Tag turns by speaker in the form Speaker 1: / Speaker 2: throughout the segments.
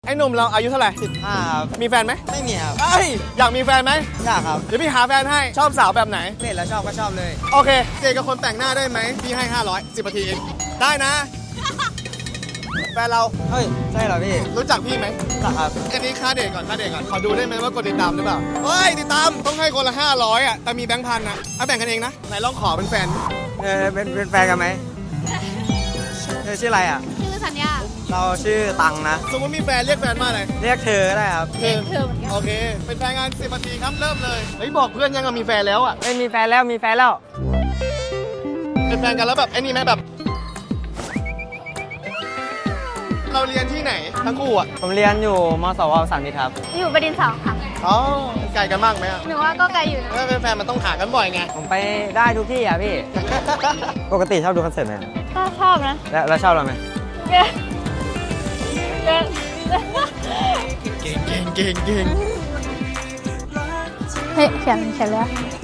Speaker 1: ไอ้หนุ่มเราอายุเท่าไหร่
Speaker 2: 15 ครับ
Speaker 1: มีแฟนไหม
Speaker 2: ไม่มีครับ
Speaker 1: เอ้ยอยากมีแฟนไหม
Speaker 2: อยากครับ
Speaker 1: เดี๋ยวพี่หาแฟนให้ชอบสาวแบบไหน
Speaker 2: เล่นแล้วชอบก็ชอบเลย
Speaker 1: โอเคเจกับคนแต่งหน้าได้ไหมพี่ให้500 10นาทีเองได้นะ แฟนเรา
Speaker 2: เฮ้ย ใช่เหรอพี่
Speaker 1: รู้จักพี่ไหม
Speaker 2: หรอครับ
Speaker 1: อันนี้ค่าเดทก่อนค่าเดทก่อนขอดูได้ไหมว่ากดติดตามหรือเปล่าเฮ้ยติดตามต้องให้คนละ500อ่ะแต่มีแบงค์พันอ่ะเอาแบ่งกันเองนะไหนลองขอเป็นแฟน
Speaker 2: เป็นแฟนกันไหมเธอชื่ออะไรอ่ะ
Speaker 3: ชื่อสัญญา
Speaker 2: เราชื่อตังนะ
Speaker 1: สมมติมีแฟนเรียกแฟนว่าอะไร
Speaker 2: เรียกเธอก็ได้ครับ
Speaker 3: เด็กเธอเหมือนกัน
Speaker 1: โอเค เป็นแฟนงาน10นาทีครับเริ่มเลยเฮ้ยบอกเพื่อนยังมีแฟนแล้วอ่ะ
Speaker 2: ไม่มีแฟนแล้วมีแฟนแล้ว
Speaker 1: เป็นแฟนกันแล้วแบบไอ้นี่ไหมแบบ เราเรียนที่ไหนทั้งคู่อ่ะ
Speaker 2: ผมเรียนอยู่มสวสามมิตรครับ
Speaker 3: อยู่บดินทร์2ค่ะ
Speaker 1: อ๋อไกลกันมากไหมอ่ะ
Speaker 3: หนูว่าก็ไกลอยู่นะ
Speaker 1: ถ้าเป็นแฟนมันต้องหากันบ่อยไง
Speaker 2: ผมไปได้ทุกที่อ่ะพี่ ปกติชอบดูคอนเสิร์ตไหม
Speaker 3: ก็ชอบนะ
Speaker 2: แล้วชอบเราไหม
Speaker 3: เก่งเก่ง
Speaker 1: เก่งเก่งเก่งเก่ง
Speaker 3: เฮ้ยเขียนแล้ว
Speaker 2: ได้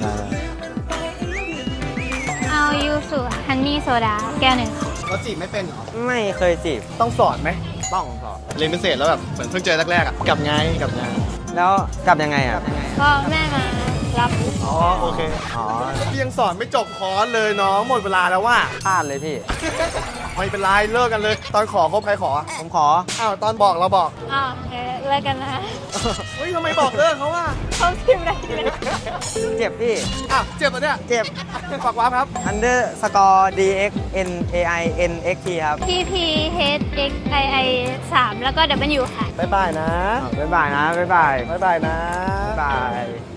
Speaker 3: เอายูสุฮันนี่โซดาแก้วหนึ่งค่ะ
Speaker 1: เราจีบไม่เป็นเหรอ
Speaker 2: ไม่เคยจีบ
Speaker 1: ต้องสอนไหม
Speaker 2: ต้องสอบ
Speaker 1: เรียนพิเศษแล้วแบบเหมือนเพิ่งเจอแรกๆอ่ะกลับไงกลับไง
Speaker 2: แล้วกลับยังไงอ่ะ
Speaker 3: ก็แม่มารับ
Speaker 1: อ๋อโอเค
Speaker 2: อ๋อ
Speaker 1: พี่ยังสอนไม่จบคอร์สเลยน้องหมดเวลาแล้วว่า
Speaker 2: พลาดเลยพี่
Speaker 1: ไม่เป็นไรเลิกกันเลย ตอนขอคบใครขอ
Speaker 2: ผมขอ
Speaker 1: อ้าวตอนบอกเราบอก
Speaker 3: อ๋อเลิกกันนะ
Speaker 1: เฮ้ยทำไมบอกเลิกเขาว่า
Speaker 3: เขาพิมพ์อะไรเลย
Speaker 2: เจ็บพี่
Speaker 1: อ้าวเจ็บปะเนี่ย
Speaker 2: เจ็บ
Speaker 1: ฝากว้าครับ
Speaker 2: underscore dx n a i n x t ครับ
Speaker 3: P P H X I I 3แล้วก็ W ค่ะ
Speaker 1: บ๊ายบายนะ
Speaker 2: บ๊ายบายนะ บ๊ายบาย
Speaker 1: บ๊ายบายนะ
Speaker 2: บ๊ายบาย